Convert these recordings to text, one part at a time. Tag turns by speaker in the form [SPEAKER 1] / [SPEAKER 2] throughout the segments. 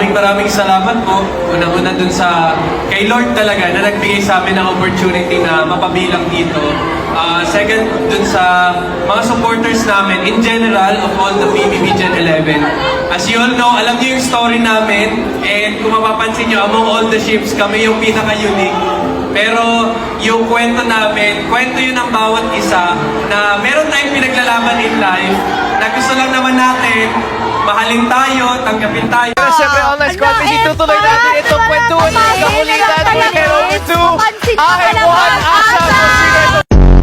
[SPEAKER 1] maraming salamat po. Unang-una dun sa kay Lord talaga na nagbigay sa amin ng opportunity na mapabilang dito. Second, dun sa mga supporters namin in general of all the PBB Gen 11. As you all know, alam niyo yung story namin and kung mapapansin niyo, among all the ships, kami yung pinaka-unique. Pero yung kwento namin, kwento yun ng bawat isa na meron tayong pinaglalaban in life na gusto lang naman natin mahalin tayo, tanggapin tayo.
[SPEAKER 2] Pero syempre, online squad, itutuloy natin itong kwentuhan ng kakulitan. We're going to I1 ASAP.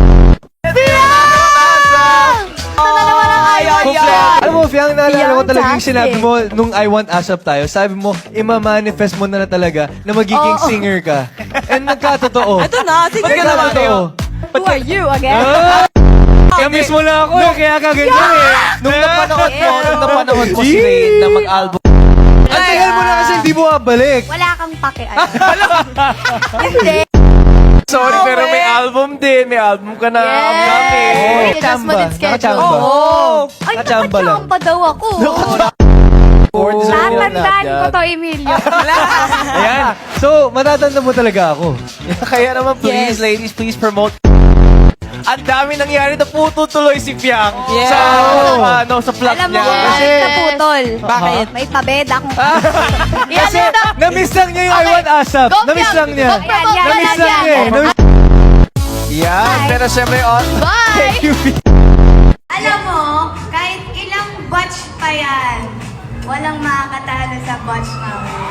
[SPEAKER 2] Alam mo, Fiang, naalala ko talaga yung sinabi mo nung I Want ASAP tayo. Sabi mo, ima-manifest mo na talaga na magiging singer ka. And nagkatotoo.
[SPEAKER 3] Ito na, sige na naman kayo.
[SPEAKER 4] Who are you again?
[SPEAKER 2] Kaya mismo na ako eh, kaya kaganyan eh.
[SPEAKER 3] Nung napanahon mo si Rain na mag-album.
[SPEAKER 2] Ang tagal mo na kasi hindi mo babalik.
[SPEAKER 4] Wala kang pake. Hindi.
[SPEAKER 3] Sorry, pero may album din. May album ka na upcoming.
[SPEAKER 4] Yes. Just mo din schedule.
[SPEAKER 2] Nakachamba.
[SPEAKER 3] Oo.
[SPEAKER 4] Ay,
[SPEAKER 2] Nakachamba lang.
[SPEAKER 4] nakachamba daw ako. Tatandaan ko to, Emilio.
[SPEAKER 2] Ayan. So, matatanda mo talaga ako.
[SPEAKER 3] Kaya naman, please,
[SPEAKER 4] Yes.
[SPEAKER 3] ladies, please promote. Ang dami nangyari na pututuloy si Fiang
[SPEAKER 4] Yes.
[SPEAKER 3] sa plot
[SPEAKER 4] Alam mo,
[SPEAKER 3] niya.
[SPEAKER 4] kahit naputol.
[SPEAKER 3] Bakit?
[SPEAKER 4] May pabed akong...
[SPEAKER 2] Kasi, na-miss lang niya yung I Want ASAP. Na-miss lang niya. Na-miss lang niya eh.
[SPEAKER 3] Yan,
[SPEAKER 4] Bye.
[SPEAKER 3] pero syempre,
[SPEAKER 4] Bye!
[SPEAKER 2] You
[SPEAKER 5] Alam mo, kahit ilang batch pa yan, walang makakatalo sa batch namin.